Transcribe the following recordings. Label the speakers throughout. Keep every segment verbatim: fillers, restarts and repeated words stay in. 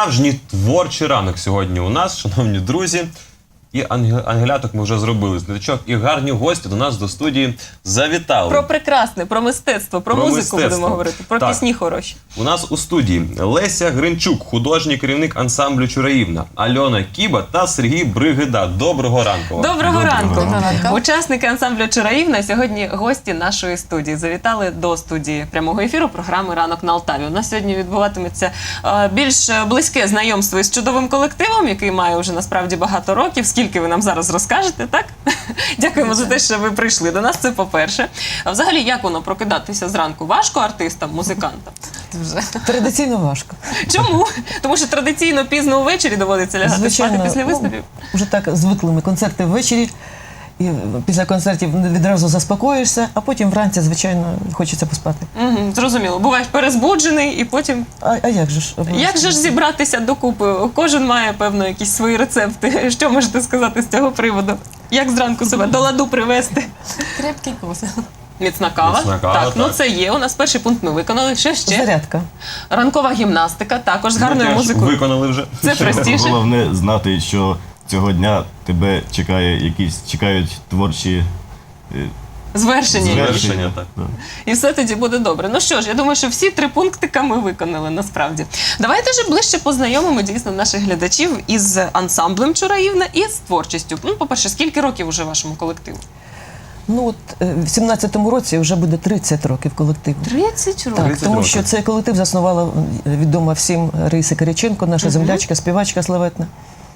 Speaker 1: Справжній творчий ранок сьогодні у нас, шановні друзі. І ангеляток ми вже зробили з ниточок. І гарні гості до нас до студії завітали.
Speaker 2: Про прекрасне, про мистецтво, про,
Speaker 1: про
Speaker 2: музику
Speaker 1: мистецтво.
Speaker 2: будемо говорити, про
Speaker 1: так.
Speaker 2: пісні хороші.
Speaker 1: У нас у студії Леся Гринчук, художній керівник ансамблю «Чураївна», Альона Кіба та Сергій Бригида. Доброго ранку.
Speaker 2: Доброго,
Speaker 1: Доброго
Speaker 2: ранку.
Speaker 3: ранку.
Speaker 2: Учасники ансамблю «Чураївна» сьогодні гості нашої студії. Завітали до студії прямого ефіру програми «Ранок на Алтаві». У нас сьогодні відбуватиметься е, більш близьке знайомство із чудовим колективом, який має вже насправді багато років. Скільки ви нам зараз розкажете, так? Дякуємо за те, що ви прийшли до нас, це по-перше. А взагалі, як воно прокидатися зранку? Важко артистам, музикантам?
Speaker 3: Традиційно важко.
Speaker 2: Чому? Тому що традиційно пізно ввечері доводиться лягати
Speaker 3: Звичайно,
Speaker 2: спати після
Speaker 3: ну,
Speaker 2: виступів.
Speaker 3: Вже так звикли ми концерти ввечері, і після концертів відразу заспокоїшся, а потім вранці, звичайно, хочеться поспати.
Speaker 2: Угу, зрозуміло. Буваєш перезбуджений і потім...
Speaker 3: А, а як же ж?
Speaker 2: Як же ж зібратися докупи? Кожен має, певно, якісь свої рецепти. Що можете сказати з цього приводу? Як зранку себе до ладу привести?
Speaker 4: Крепкий кофе.
Speaker 2: Міцна кава.
Speaker 1: Міцна кава,
Speaker 2: так,
Speaker 1: так.
Speaker 2: ну це є. У нас перший пункт ми виконали. Що ще?
Speaker 3: Зарядка.
Speaker 2: Ранкова гімнастика, також з
Speaker 1: Ми
Speaker 2: гарною
Speaker 1: теж
Speaker 2: музикою.
Speaker 1: виконали вже.
Speaker 2: Це простіше.
Speaker 5: Головне знати, що цього дня тебе чекає якісь, чекають творчі е,
Speaker 2: Звершення.
Speaker 5: звершення.
Speaker 1: Завершення, так.
Speaker 5: Да.
Speaker 2: І все тоді буде добре. Ну що ж, я думаю, що всі три пунктика ми виконали насправді. Давайте ж ближче познайомимо дійсно наших глядачів із ансамблем «Чураївна» і з творчістю. Ну, по-перше, скільки років уже вашому колективу?
Speaker 3: Ну от е, в сімнадцятому році вже буде тридцять років колективу.
Speaker 2: тридцять років.
Speaker 3: Так,
Speaker 1: тридцять
Speaker 3: тому
Speaker 1: років.
Speaker 3: що цей колектив заснувала е, відома всім Раїса Кириченко, наша землячка, співачка славетна.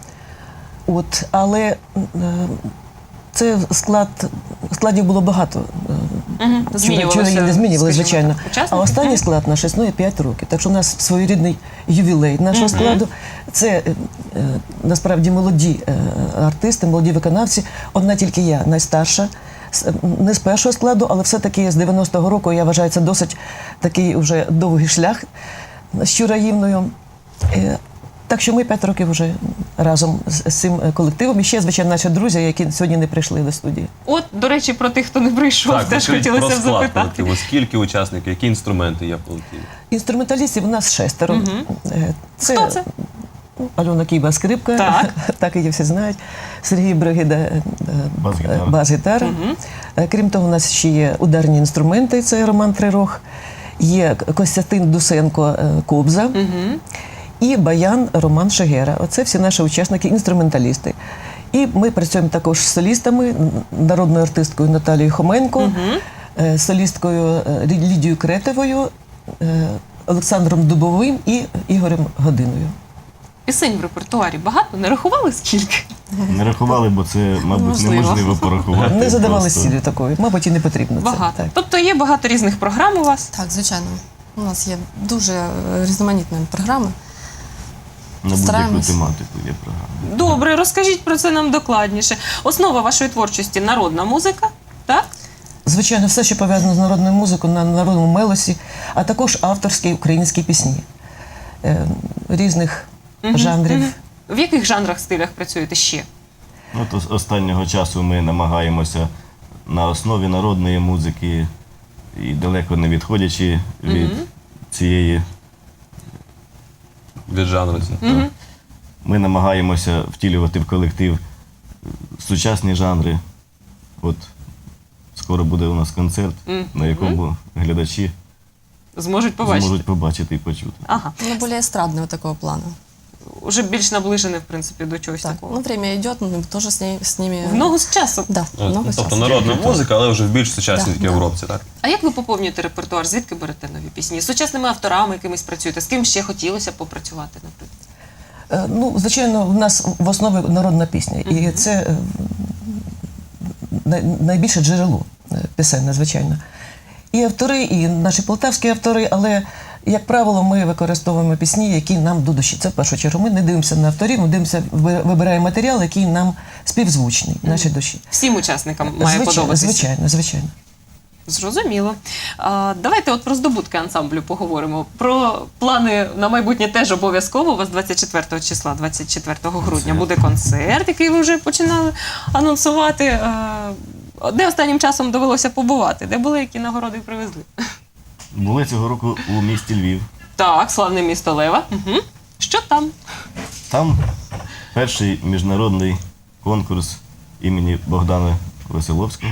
Speaker 3: От, але е, це склад, складів було багато.
Speaker 2: Угу.
Speaker 3: Чураївни не змінювали, звичайно.
Speaker 2: Учасники?
Speaker 3: А останній склад наш існує п'ять років. Так що у нас своєрідний ювілей нашого складу. Це е, е, насправді молоді е, артисти, молоді виконавці. Одна тільки я, найстарша. З- Не з першого складу, але все-таки з дев'яностого року, я вважаю, це досить такий вже довгий шлях з Чураївною. Е, Так що ми п'ять років вже разом з з цим колективом. І ще, звичайно, наші друзі, які сьогодні не прийшли до студії.
Speaker 2: От, до речі, про тих, хто не прийшов,
Speaker 1: Так,
Speaker 2: теж
Speaker 1: розкажіть
Speaker 2: хотілося
Speaker 1: про
Speaker 2: б
Speaker 1: склад
Speaker 2: запитати.
Speaker 1: колективу. Скільки учасників, які інструменти є в колективі?
Speaker 3: Інструменталістів у нас шестеро. Е,
Speaker 2: Хто це?
Speaker 3: Ну, Альона Кіба, скрипка,
Speaker 2: Так.
Speaker 3: так її всі знають. Сергій Бригида, е,
Speaker 5: Бас-гітара.
Speaker 3: е, бас-гітара. Е, Крім того, у нас ще є ударні інструменти, це Роман Трирох, є Костянтин Дусенко, е, кобза, і баян Роман Шегера. Оце всі наші учасники, інструменталісти. І ми працюємо також з солістами, народною артисткою Наталією Хоменко, е, солісткою е, Лідією Кретовою, е, Олександром Дубовим і Ігорем Годиною.
Speaker 2: Пісень в репертуарі багато? Не рахували скільки?
Speaker 5: Не рахували, бо це, мабуть,
Speaker 2: Можливо.
Speaker 5: неможливо порахувати.
Speaker 3: Не задавали
Speaker 5: просто.
Speaker 3: цілі такої, мабуть, і не потрібно це.
Speaker 2: Багато.
Speaker 3: Так.
Speaker 2: Тобто є багато різних програм у вас?
Speaker 4: Так, звичайно. У нас є дуже е, різноманітні програми.
Speaker 5: На будь-яку
Speaker 4: Стараємось.
Speaker 5: тематику є програма.
Speaker 2: Добре, розкажіть про це нам докладніше. Основа вашої творчості – народна музика, так?
Speaker 3: Звичайно, все, що пов'язано з народною музикою, на народному мелосі, а також авторські українські пісні е, різних жанрів.
Speaker 2: В яких жанрах, стилях працюєте ще?
Speaker 5: Ну, то з останнього часу ми намагаємося на основі народної музики і далеко не відходячи від цієї,
Speaker 1: Від жанру.
Speaker 5: ми намагаємося втілювати в колектив сучасні жанри. От скоро буде у нас концерт, на якому глядачі
Speaker 2: Зможуть побачити?
Speaker 5: зможуть побачити і почути.
Speaker 2: Ага.
Speaker 4: Ну, более эстрадного такого плана.
Speaker 2: Уже більш наближене, в принципі, до чогось
Speaker 4: Так,
Speaker 2: такого.
Speaker 4: ну, время идет, мы тоже с, ней, с ними...
Speaker 2: В ногу з часом.
Speaker 4: Да, в ногу
Speaker 1: Тобто
Speaker 4: часу.
Speaker 1: народна музика, але вже в більш сучасній
Speaker 4: Да,
Speaker 1: такій
Speaker 4: да.
Speaker 1: обробці, так?
Speaker 2: А як ви поповнюєте репертуар? Звідки берете нові пісні? З сучасними авторами якимись працюєте? З ким ще хотілося б попрацювати, наприклад?
Speaker 3: Е, Ну, звичайно, в нас в основі народна пісня. І це е, най- найбільше джерело е, пісенне, звичайно. І автори, і наші полтавські автори, але, як правило, ми використовуємо пісні, які нам до душі. Це в першу чергу. Ми не дивимося на авторів, ми дивимося, ви- вибираємо матеріал, який нам співзвучний, нашій душі.
Speaker 2: Всім учасникам має
Speaker 3: Звичайно,
Speaker 2: подобатися.
Speaker 3: звичайно, звичайно.
Speaker 2: Зрозуміло. А, давайте от про здобутки ансамблю поговоримо. Про плани на майбутнє теж обов'язково. У вас двадцять четвертого числа, двадцять четвертого грудня буде концерт, який ви вже починали анонсувати. А, де останнім часом довелося побувати? Де були, які нагороди привезли?
Speaker 5: Були цього року у місті Львів.
Speaker 2: Так, славне місто Лева. Угу. Що там?
Speaker 5: сам перший міжнародний конкурс імені Богдана Веселовського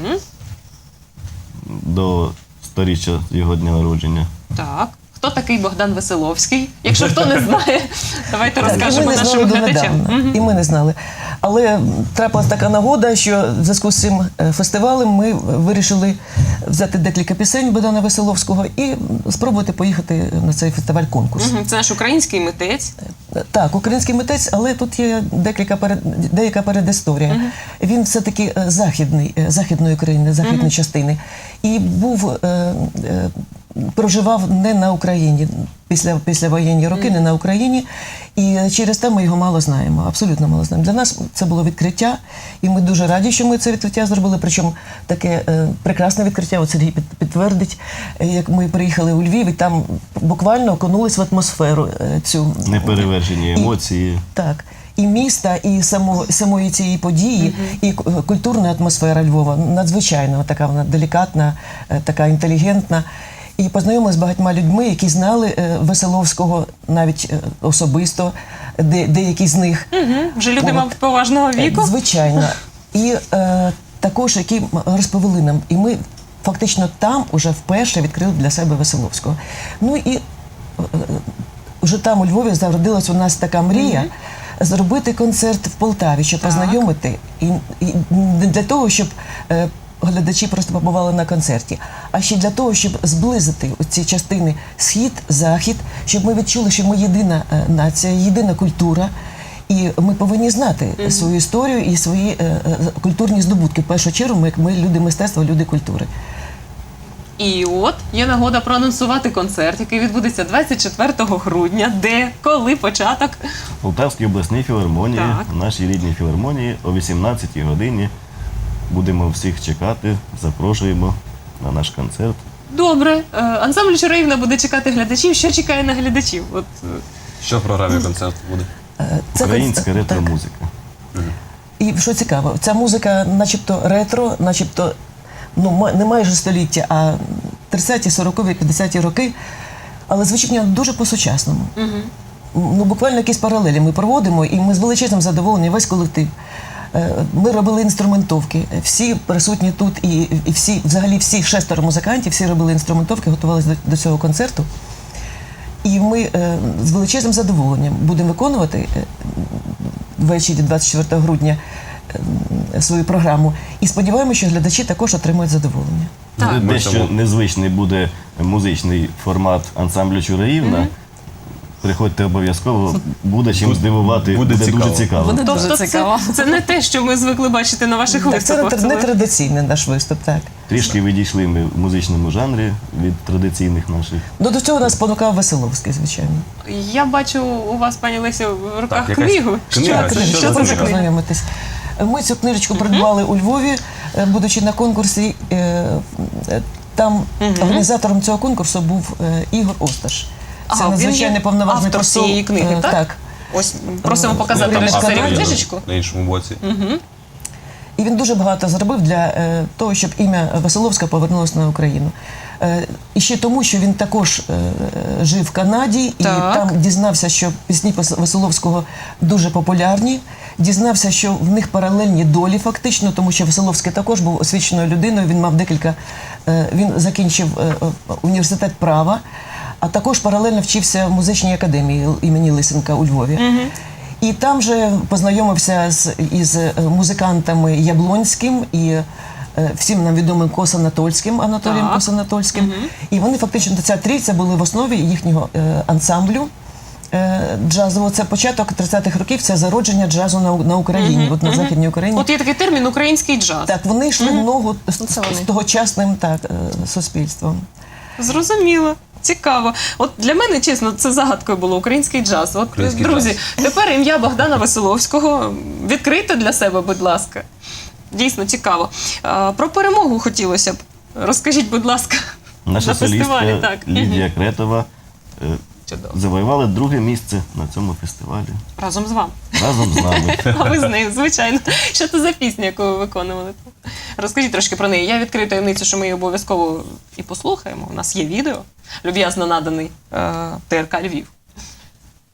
Speaker 5: до сторіччя його дня народження.
Speaker 2: Так. Хто такий Богдан Веселовський? Якщо хто не знає, давайте
Speaker 3: Так, і ми
Speaker 2: розкажемо
Speaker 3: не знали
Speaker 2: нашим глядачам.
Speaker 3: донедавна. І ми не знали. Але трапилась така нагода, що в зв'язку з цим е, фестивалем ми вирішили взяти декілька пісень Богдана Веселовського і спробувати поїхати на цей фестиваль-конкурс.
Speaker 2: Мгм. Це наш український митець.
Speaker 3: Так, український митець, але тут є декілька перед, деяка передісторія. Він все-таки е, західний, е, західної країни, західної частини. І був, е, е, проживав не на Україні, після, після воєнні роки, не на Україні. І через те ми його мало знаємо, абсолютно мало знаємо. Для нас це було відкриття, і ми дуже раді, що ми це відкриття зробили. Причому таке е, прекрасне відкриття, от Сергій під- підтвердить, е, як ми приїхали у Львів, і там буквально окунулись в атмосферу е, цю.
Speaker 5: Неперевершені емоції.
Speaker 3: Так. І міста, і само, самої цієї події, і к- культурна атмосфера Львова надзвичайно така вона делікатна, е, така інтелігентна. І познайомилися з багатьма людьми, які знали е, Веселовського навіть е, особисто, де, деякі з них.
Speaker 2: Мгм. Вже люди,
Speaker 3: От.
Speaker 2: мабуть, поважного віку.
Speaker 3: Е, Звичайно. І е, також, які м- розповіли нам. І ми фактично там уже вперше відкрили для себе Веселовського. Ну і е, е, вже там у Львові зародилась у нас така мрія зробити концерт в Полтаві, щоб
Speaker 2: Так.
Speaker 3: познайомити. І, і не для того, щоб е, глядачі просто побували на концерті, а ще для того, щоб зблизити ці частини схід, захід, щоб ми відчули, що ми єдина е, нація, єдина культура. І ми повинні знати свою історію і свої е, е, культурні здобутки. В першу чергу ми, ми люди мистецтва, люди культури.
Speaker 2: І от є нагода проанонсувати концерт, який відбудеться двадцять четвертого грудня. Де, коли початок?
Speaker 5: В Полтавській обласній філармонії,
Speaker 2: Так.
Speaker 5: в нашій рідній філармонії о вісімнадцятій годині. Будемо всіх чекати, запрошуємо на наш концерт.
Speaker 2: Добре. Е, Ансамбль Чураївна буде чекати глядачів. Що чекає на глядачів? От е,
Speaker 1: Що в програмі концерту буде?
Speaker 3: Е, це
Speaker 5: Українська
Speaker 3: концерт- так.
Speaker 5: ретро-музика.
Speaker 3: І що цікаво, ця музика начебто ретро, начебто ну, ма- не майже століття, а тридцяті, сорокові, п'ятдесяті роки, але звучить вона дуже по-сучасному. Ну, буквально якісь паралелі ми проводимо, і ми з величезним задоволенням, весь колектив. Е, Ми робили інструментовки. Всі присутні тут, і, і всі, взагалі всі шестеро музикантів, всі робили інструментовки, готувалися до, до цього концерту. І ми е, з величезним задоволенням будемо виконувати е, ввечері двадцять четвертого грудня е, свою програму. І сподіваємося, що глядачі також отримують задоволення.
Speaker 2: Так.
Speaker 5: Де-
Speaker 1: Ми
Speaker 5: Дещо
Speaker 1: тому-
Speaker 5: незвичний буде музичний формат ансамблю Чураївна. Приходьте обов'язково, буде чим
Speaker 1: Буде-
Speaker 5: здивувати,
Speaker 1: буде
Speaker 5: буде, дуже
Speaker 1: цікаво.
Speaker 5: цікаво.
Speaker 4: Буде
Speaker 2: тобто
Speaker 4: дуже
Speaker 2: це,
Speaker 4: цікаво.
Speaker 2: це не те, що ми звикли бачити на ваших
Speaker 3: Так, це не,
Speaker 2: виступах.
Speaker 3: тр- не
Speaker 2: ви-
Speaker 3: традиційний наш виступ, так.
Speaker 5: Трішки відійшли ми в музичному жанрі від традиційних наших.
Speaker 3: Ну, до цього нас спонукав Веселовський, звичайно.
Speaker 2: Я бачу у вас, пані Лесю, в руках
Speaker 1: Так, якась
Speaker 2: книгу.
Speaker 1: книга.
Speaker 2: Що,
Speaker 1: Це
Speaker 2: це?
Speaker 1: що
Speaker 2: Що
Speaker 1: за
Speaker 2: це за
Speaker 1: книга?
Speaker 2: книга?
Speaker 3: Познайомитись. Ми цю книжечку придбали у Львові, е, будучи на конкурсі. е, е, Там організатором цього конкурсу був е, Ігор Осташ. Це
Speaker 2: Ага, він
Speaker 3: надзвичайно
Speaker 2: є
Speaker 3: повноважний
Speaker 2: автор
Speaker 3: посол.
Speaker 2: цієї книги,
Speaker 3: е,
Speaker 2: так?
Speaker 3: Так.
Speaker 2: Ось просимо показати
Speaker 3: Там
Speaker 2: режисерів
Speaker 3: автор
Speaker 2: книжечку.
Speaker 1: на іншому боці.
Speaker 3: І він дуже багато зробив для е, того, щоб ім'я Веселовська повернулося на Україну. Е, і ще тому, що він також е, жив в Канаді і
Speaker 2: Так.
Speaker 3: там дізнався, що пісні Вес- Веселовського дуже популярні. Дізнався, що в них паралельні долі фактично, тому що Веселовський також був освіченою людиною. Він мав декілька. Е, він закінчив е, е, університет права, а також паралельно вчився в музичній академії імені Лисенка у Львові. І там же познайомився з, із е, музикантами Яблонським і е, всім нам відомим Косанатольським, Анатолієм
Speaker 2: Так.
Speaker 3: Косанатольським. І вони фактично, ця трійця були в основі їхнього е, ансамблю е, джазового. Це початок тридцятих років, це зародження джазу на, на Україні, от на Західній Україні.
Speaker 2: От є такий термін український джаз.
Speaker 3: Так, вони йшли в ногу з,
Speaker 4: Це
Speaker 3: з,
Speaker 4: вони.
Speaker 3: з тогочасним так, е, суспільством.
Speaker 2: Зрозуміло. Цікаво. От для мене, чесно, це загадкою було український джаз. От,
Speaker 1: Український
Speaker 2: друзі,
Speaker 1: джаз.
Speaker 2: тепер ім'я Богдана Веселовського. Відкрийте для себе, будь ласка. Дійсно цікаво. А, про перемогу хотілося б. Розкажіть, будь ласка,
Speaker 5: Наша
Speaker 2: на фестивалі.
Speaker 5: солістка
Speaker 2: Так.
Speaker 5: Лідія Кретова е,
Speaker 2: Чудово.
Speaker 5: завоювала друге місце на цьому фестивалі
Speaker 2: Разом з вами.
Speaker 5: разом з нами.
Speaker 2: А ви з нею, звичайно. Що це за пісня, яку ви виконували? Розкажіть трошки про неї. Я відкрию таємницю, що ми її обов'язково і послухаємо. У нас є відео, люб'язно наданий е, ТРК Львів.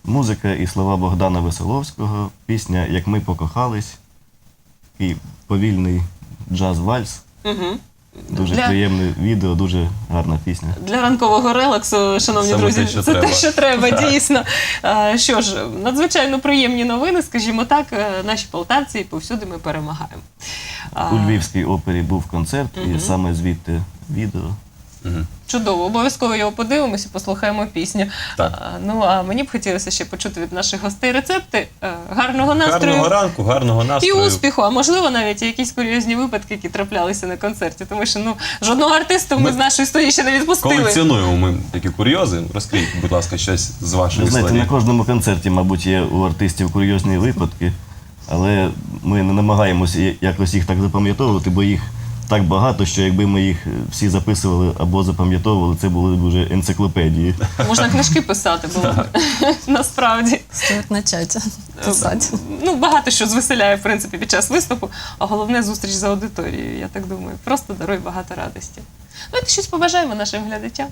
Speaker 5: Музика і слова Богдана Веселовського, пісня «Як ми покохались», і повільний джаз-вальс.
Speaker 2: Угу.
Speaker 5: Дуже
Speaker 2: Для-
Speaker 5: приємне відео, дуже гарна пісня.
Speaker 2: Для ранкового релаксу, шановні
Speaker 1: Саме
Speaker 2: друзі,
Speaker 1: те, що
Speaker 2: це
Speaker 1: треба.
Speaker 2: те, що треба, дійсно. А, Що ж, надзвичайно приємні новини, скажімо так, е, наші полтавці, і повсюди ми перемагаємо. А,
Speaker 5: У Львівській опері був концерт, і саме звідти відео.
Speaker 2: Чудово, обов'язково його подивимося, послухаємо пісню.
Speaker 1: Так.
Speaker 2: А, Ну а мені б хотілося ще почути від наших гостей рецепти е, гарного настрою.
Speaker 1: Гарного ранку, гарного
Speaker 2: І
Speaker 1: настрою.
Speaker 2: успіху, а можливо навіть і якісь курйозні випадки, які траплялися на концерті. Тому що ну жодного артиста ми,
Speaker 1: Ми
Speaker 2: з нашої студії ще не відпустили.
Speaker 1: Колекціонуємо ми такі курйози. Розкрийте, будь ласка, щось з вашої
Speaker 5: Ви знаєте,
Speaker 1: історії.
Speaker 5: на кожному концерті, мабуть, є у артистів курйозні випадки, але ми не намагаємося я- якось їх так запам'ятовувати, бо їх так багато, що якби ми їх всі записували або запам'ятовували, це були б вже енциклопедії.
Speaker 2: Можна книжки писати було б. Насправді.
Speaker 4: Стоит начать писать.
Speaker 2: Ну, багато що звеселяє, в принципі, під час виступу, а головне зустріч за аудиторією, я так думаю. Просто дарує багато радості. Давайте щось побажаємо нашим глядачам.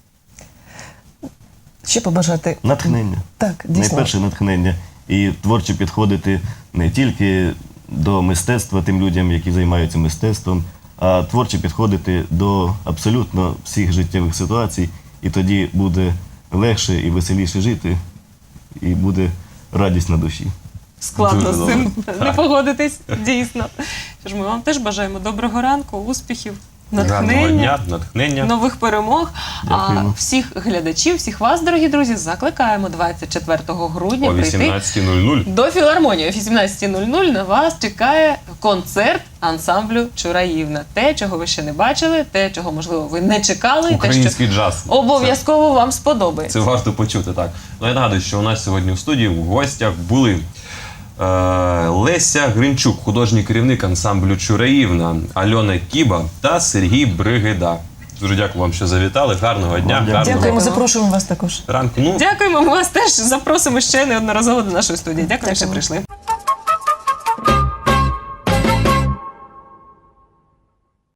Speaker 3: Ще побажати.
Speaker 5: Натхнення.
Speaker 3: Так, дійсно.
Speaker 5: Найперше натхнення. І творчо підходити не тільки до мистецтва тим людям, які займаються мистецтвом, а творчо підходити до абсолютно всіх життєвих ситуацій, і тоді буде легше і веселіше жити, і буде радість на душі.
Speaker 2: Складно
Speaker 1: Дуже
Speaker 2: з цим
Speaker 1: добре.
Speaker 2: не погодитись, дійсно. Що ж, ми вам теж бажаємо доброго ранку, успіхів,
Speaker 1: Гарного
Speaker 2: натхнення.
Speaker 1: дня, натхнення.
Speaker 2: Нових перемог. А
Speaker 5: Дякуємо.
Speaker 2: всіх глядачів, всіх вас, дорогі друзі, закликаємо двадцять четвертого грудня
Speaker 1: О
Speaker 2: прийти
Speaker 1: вісімнадцятій нуль нуль.
Speaker 2: до філармонії. О вісімнадцятій нуль нуль на вас чекає концерт ансамблю Чураївна. Те, чого ви ще не бачили, те, чого, можливо, ви не чекали, і те, що
Speaker 1: Український джаз.
Speaker 2: обов'язково вам сподобається.
Speaker 1: Це варто почути, так. Ну, я нагадую, що у нас сьогодні в студії в гостях були е, Леся Гринчук, художній керівник ансамблю Чураївна, Альона Кіба та Сергій Бригида. Дуже дякую вам, що завітали. Гарного дня,
Speaker 5: Дякую.
Speaker 1: гарного
Speaker 3: Дякуємо, запрошуємо вас також.
Speaker 1: ранку. Ну,
Speaker 2: Дякуємо, ми вас теж запросимо ще неодноразово до нашої студії. Дякую, що
Speaker 4: Дякуємо.
Speaker 2: прийшли.